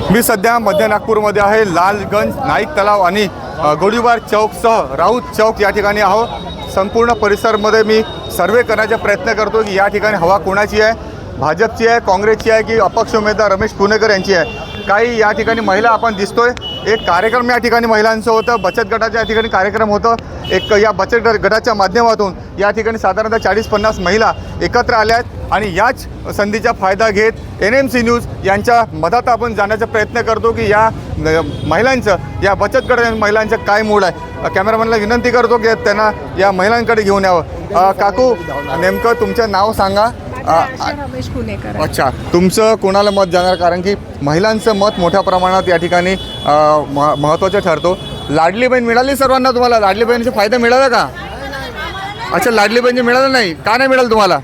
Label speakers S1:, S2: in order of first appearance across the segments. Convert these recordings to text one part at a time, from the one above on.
S1: मी सध्या मध्य नागपूरमध्ये आहे. लालगंज, नाईक तलाव आणि गोळीबार चौकसह राऊत चौक या ठिकाणी आहो. संपूर्ण परिसरमध्ये मी सर्वे करण्याचा प्रयत्न करतो की या ठिकाणी हवा कोणाची आहे, भाजपची आहे, काँग्रेसची आहे की अपक्ष उमेदवार रमेश पुणेकर यांची आहे. काही या ठिकाणी महिला आपण दिसतोय. एक कार्यक्रम या ठिकाणी महिलांचं होतं, बचत गटाच्या या ठिकाणी कार्यक्रम होतं. एक या बचत गटाच्या माध्यमातून या ठिकाणी साधारणतः 40-50 महिला एकत्र आल्या आहेत आणि याच संधीचा फायदा घेत NMC न्यूज यांच्या मधात आपण जाण्याचा प्रयत्न करतो की या महिलांचं, या बचत गट महिलांचं काय मूड आहे. कॅमेरामॅनला विनंती करतो की त्यांना या महिलांकडे घेऊन यावं. काकू, नेमकं तुमचं नाव सांगा.
S2: रमेश पुणेकर.
S1: अच्छा, तुमचं कोणाला मत जाणार? कारण की महिलांचं मत मोठ्या प्रमाणात या ठिकाणी महत्त्वाचं ठरतो. लाडली बहीण मिळाली सर्वांना? तुम्हाला लाडली बहिणीचा फायदा मिळाला का? अच्छा, लाडली बहिणी मिळालं नाही का? नाही मिळालं तुम्हाला?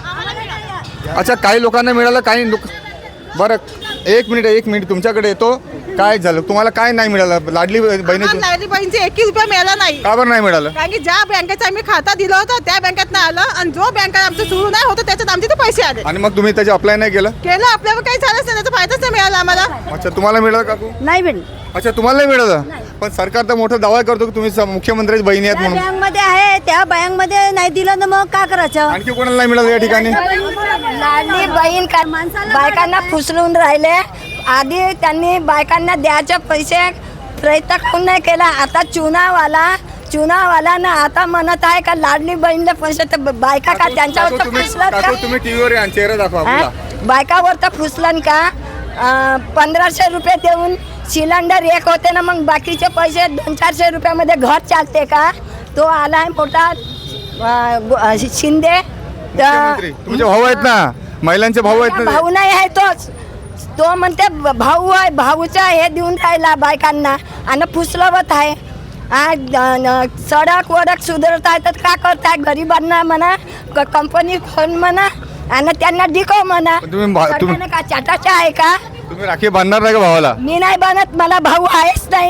S1: अच्छा, काही लोकांना मिळालं, काही लोक. बरं, एक मिनिट तुमच्याकडे येतो. काय झालं, तुम्हाला काय नाही मिळालं? लाडली बहिणीची
S2: बहिणीचे 21 रुपये मिळाला नाही.
S1: का बरं नाही मिळालं?
S2: कारण की ज्या बँकेचा आम्ही खाता दिलं होतं त्या बँकेत नाही आलं आणि जो बँक आमचं सुरू नाही होतं त्याच्यात आमचे ते पैसे आले.
S1: आणि मग तुम्ही त्याचे अप्लाय नाही केलं?
S2: आपल्याला काही झालंच नाही, त्याचा फायदाच नाही मिळाला आम्हाला.
S1: अच्छा, तुम्हाला मिळालं काकू?
S3: नाही भेटली.
S1: अच्छा, तुम्हाला नाही मिळालं? पण सरकार तर मोठा दावा करतो की तुम्ही मुख्यमंत्र्याची बहिणी आहेत म्हणून.
S3: बँकमध्ये आहे, त्या बँकमध्ये नाही दिलं तर मग काय करायचं?
S1: आणखी कोणाला नाही मिळालं या ठिकाणी?
S3: लाडली बहीण बायकांना फुसलून राहिले. आधी त्यांनी बायकांना द्यायचे पैसे प्रयत्न करून नाही केला. आता चुनावाला ना आता म्हणत आहे का लाडली बहीणला पैसे तर बायका का त्यांच्यावर तर फुसलं का?
S1: तुम्ही टीव्हीवर या चेहरा दाखवा आपला.
S3: बायकावर तर फुसलन का? 1500 रुपये देऊन सिलेंडर एक होते ना, मग बाकीचे पैसे 200-400 रुपयामध्ये घर चालते का? तो आलाय मोठा शिंदे.
S1: तुमचे भाऊ आहेत ना, महिलांचे भाऊ आहेत ना.
S3: भाऊ नाही आहे तो म्हणते भाऊ आहे, भाऊचा हे देऊन राहिला बायकांना आणि फुसलवत आहे. सडक वडक सुधारत आहे तर का करताय? गरिबांना म्हणा, कंपनी खोल म्हणा आणि त्यांना डिको म्हणा.
S1: तुम्ही
S3: का चाटाचा आहे का?
S1: तुम्ही राखी बांधणार नाही का भावाला?
S3: मी नाही बनत, मला भाऊ आहेच नाही.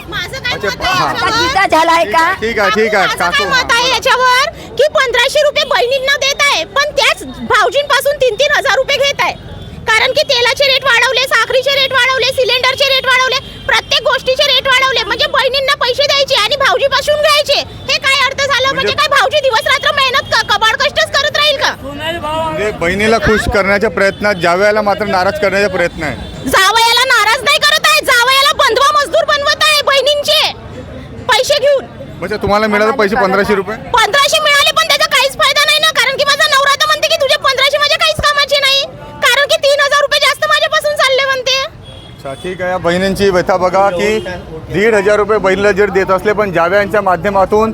S3: गीता झालाय का?
S1: ठीक आहे काकू.
S4: मत आहे याच्यावर की 1500 रुपये बहिणींना देत आहे, पण त्याच भाऊजींपासून 3-3 हजार रुपये घेत आहे. कारण की तेलाचे रेट वाढवले, साखरीचे रेट वाढवले, सिलेंडरचे रेट वाढवले, प्रत्येक गोष्टीचे रेट वाढवले. म्हणजे बहिणींना पैसे द्यायचे आणि भाऊजीपासून घ्यायचे. हे काय अर्थ झालं? म्हणजे काय भाऊजी दिवस रात्र मेहनत कबाड कष्टच करत राहील का?
S1: म्हणजे बहिणीला खुश करण्याच्या प्रयत्नात जावयाला मात्र नाराज करण्याचा प्रयत्न आहे.
S4: जावयाला नाराज नाही करत आहे, जावयाला बंधवा मजदूर बनवत आहे बहिणींचे पैसे घेऊन.
S1: म्हणजे तुम्हाला मिळालं पैसे 1500 रुपये?
S4: 1500 मिळाले पण त्याचा काहीच फायदा नाही ना. कारण की माझा नवरा तर म्हणते की तुझे 1500 माझ्या काहीच कामाचे नाही. कारण की 3000 रुपये जास्त माझ्यापासून चालले म्हणते.
S1: अच्छा, ठीक आहे. या बहिणींची व्यथा बघा की 1500 रुपये बहिणीला जर देत असले पण जावयांच्या माध्यमातून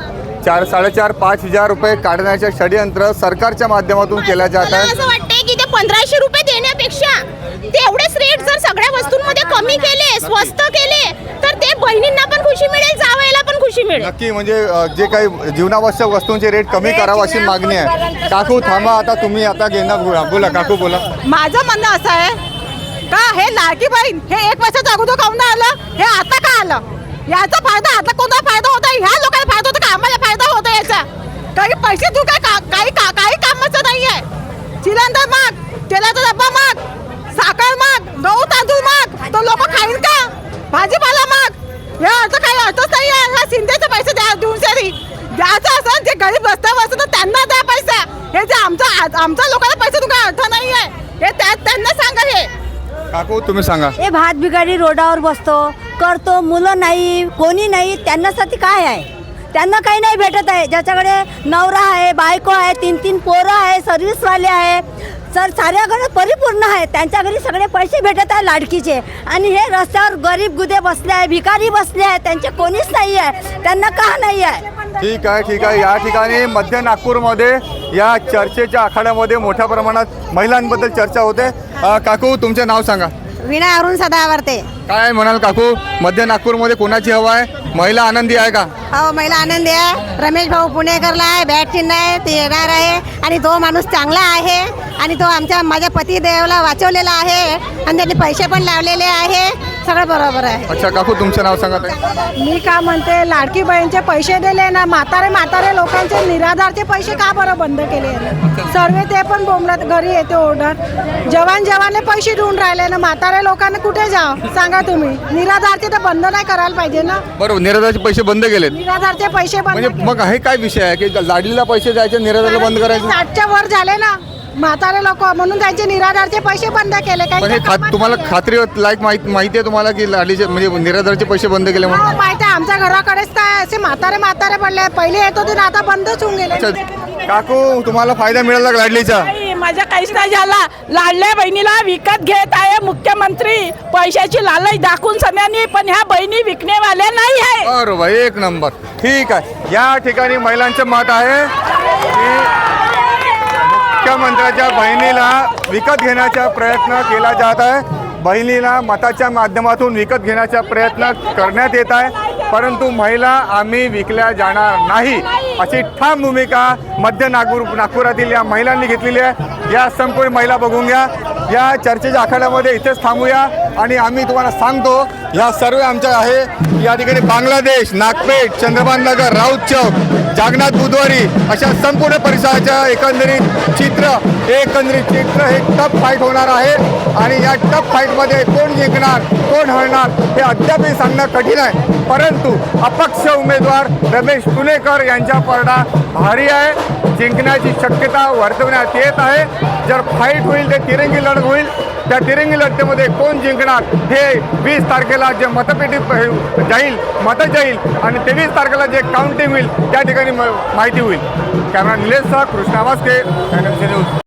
S1: 4,500-5,000 रुपये काढण्याचे षडयंत्र सरकारच्या माध्यमातून केल्या जात
S4: मला
S1: आहे.
S4: असं वाटतंय की ते 1500 रुपये देण्यापेक्षा तेवढेच रेट जर सगळ्या वस्तूंमध्ये कमी केले, स्वस्त केले, तर ते बहिणींना पण खुशी मिळेल, जावयाला पण खुशी मिळेल.
S1: नक्की, म्हणजे जे काही जीवनावश्यक वस्तूंचे रेट कमी करावं अशी मागणी आहे. काकू थांबा, आता तुम्ही आता घेणार. बोला काकू, बोला.
S2: माझं म्हणणं असं आहे का हे लाडकी बहीण हे 1 वर्षाच्या अगोदर काऊन नाही आलं, हे आता का आलं? याचा फायदा आता कोणता फायदा होता? ह्या लोकांना फायदा होता का आम्हाला फायदा होता याचा? काही पैसे तू काही कामाचं नाही आहे. सिलेंडर माग, तेलाचा डब्बा माग, साखर माग, गहू तांदूळ माग, तो लोक खाईल का? भाजीपाला माग, या अर्थ काही अर्थच नाही आहे. ह्या शिंदेचे पैसे देऊन सरी द्यायचं असं, जे गरीब रस्त्यावर असतं तर त्यांना द्या पैसा. हे जे आमच्या लोकांना पैसे तू काही अर्थ नाही आहे, हे त्यांना सांगा. हे
S1: काकू तुम्ही सांगा.
S3: हे भात बिगाडी रोडावर बसतो करतो, मुलं नाही, कोणी नाही, त्यांच्यासाठी काय आहे? त्यांना काही नाही भेटत आहे. ज्याच्याकडे नवरा आहे, बायको आहे, 3-3 पोरं आहे, सर्व्हिसवाले आहे, साऱ्या घरात परिपूर्ण आहे, त्यांच्या घरी सगळे पैसे भेटत आहे लाडकीचे. आणि हे रस्त्यावर गरीब गुदे बसले आहे, भिकारी बसले आहे, त्यांचे कोणीच नाही आहे. त्यांना का नाही आहे?
S1: ठीक आहे. या ठिकाणी मध्य नागपूरमध्ये या चर्चेच्या आखाड्यामध्ये मोठ्या प्रमाणात महिलांबद्दल चर्चा होते. काकू तुमचे नाव सांगा.
S3: विना अरुण सदावर्ते.
S1: काय म्हणाल काकू, मध्य नागपूरमध्ये कोणाची हवा आहे? महिला आनंदी आहे का?
S3: हो, महिला आनंदी आहे. रमेश भाऊ पुणेकरला आहे, बॅट चिन्ह आहे, ते येणार आहे आणि तो माणूस चांगला आहे आणि तो माझ्या पतिदेवाला वाचवलेला आहे आणि त्यांनी पैसे पण लावलेले आहे.
S2: सगळं बरोबर आहे.
S1: अच्छा काकू, तुमचं नाव सांगा ताई.
S2: मी का म्हणते, लाडकी बहीणचे पैसे दिले ना, म्हातारे लोकांचे निराधारचे पैसे का बरं बंद केले? सर्व ते पण बोंबलत घरी येते ऑर्डर. जवानले पैसे देऊन राहिले ना, म्हातारे लोकांना कुठे जाव सांगा तुम्ही? निराधारचे तर बंद नाही करायला पाहिजे ना.
S1: बरोबर, निराधारचे पैसे बंद केलेत.
S2: निराधारचे पैसे बंद
S1: म्हणजे मग हे काय विषय आहे की लाडलीला पैसे द्यायचे, निराधारला बंद करायचे?
S2: 60च्या वर झाले ना म्हातारे लोक, म्हणून त्यांचे निराधारचे पैसे बंद केले.
S1: पण हे तुम्हाला खात्री लायक माहिती आहे तुम्हाला की लाडलीचे म्हणजे निराधारचे पैसे बंद केले म्हणून?
S2: माहिती आहे, आमच्या घराकडेच काय असे म्हातारे पडले. पहिले येत होते ना, आता बंदच होऊन गेले.
S1: अच्छा काकू, तुम्हाला फायदा मिळाला का लाडलीचा?
S5: माझ्या काहीच नाही झाला. लाडल्या बहिणीला विकत घेत आहे मुख्यमंत्री, पैशाची लालच दाखवून सगळ्यांनी, पण ह्या बहिणी विकणेवाल्या नाही आहे.
S1: बरोबर, एक नंबर. ठीक आहे, या ठिकाणी महिलांचं मत आहे की मुख्यमंत्र्याच्या बहिणीला विकत घेण्याचा प्रयत्न केला जात आहे. बहिणीला मताच्या माध्यमातून विकत घेण्याचा प्रयत्न करण्यात येत आहे, परंतु महिला आम्ही विकल्या जाणार नाही अशी ठाम भूमिका मध्य नागपुरातील या महिलांनी घेतलेली आहे. या संपूर्ण महिला बघून घ्या. या चर्चेच्या आखाड्यामध्ये इथेच थांबूया आणि आम्ही तुम्हाला सांगतो ह्या सर्व आमच्या आहे. या ठिकाणी बांगलादेश, नागपेठ, चंद्रभान नगर, राऊत चौक, जागनाथ बुधवारी अशा संपूर्ण परिसराच्या एकंदरीत चित्र हे टफ फाईट होणार आहे. आणि या टफ फाईटमध्ये कोण जिंकणार कोण हरणार हे अद्यापही सांगणं कठीण आहे, परंतु अपक्ष उमेदवार रमेश तुनेकर यांचा पडदा भारी आहे. जिंकण्याची शक्यता वर्तवण्यात येत आहे. जर फाईट होईल ते तिरंगी लढत होईल. त्या तिरंगी लढतीमध्ये कोण जिंकणार हे 20 तारखेला जे मतपेटीत जाईल आणि 23 तारखेला जे काउंटिंग होईल त्या ठिकाणी माहिती होईल. कॅमेरा निलेशसह कृष्णा वास्के, NMC न्यूज.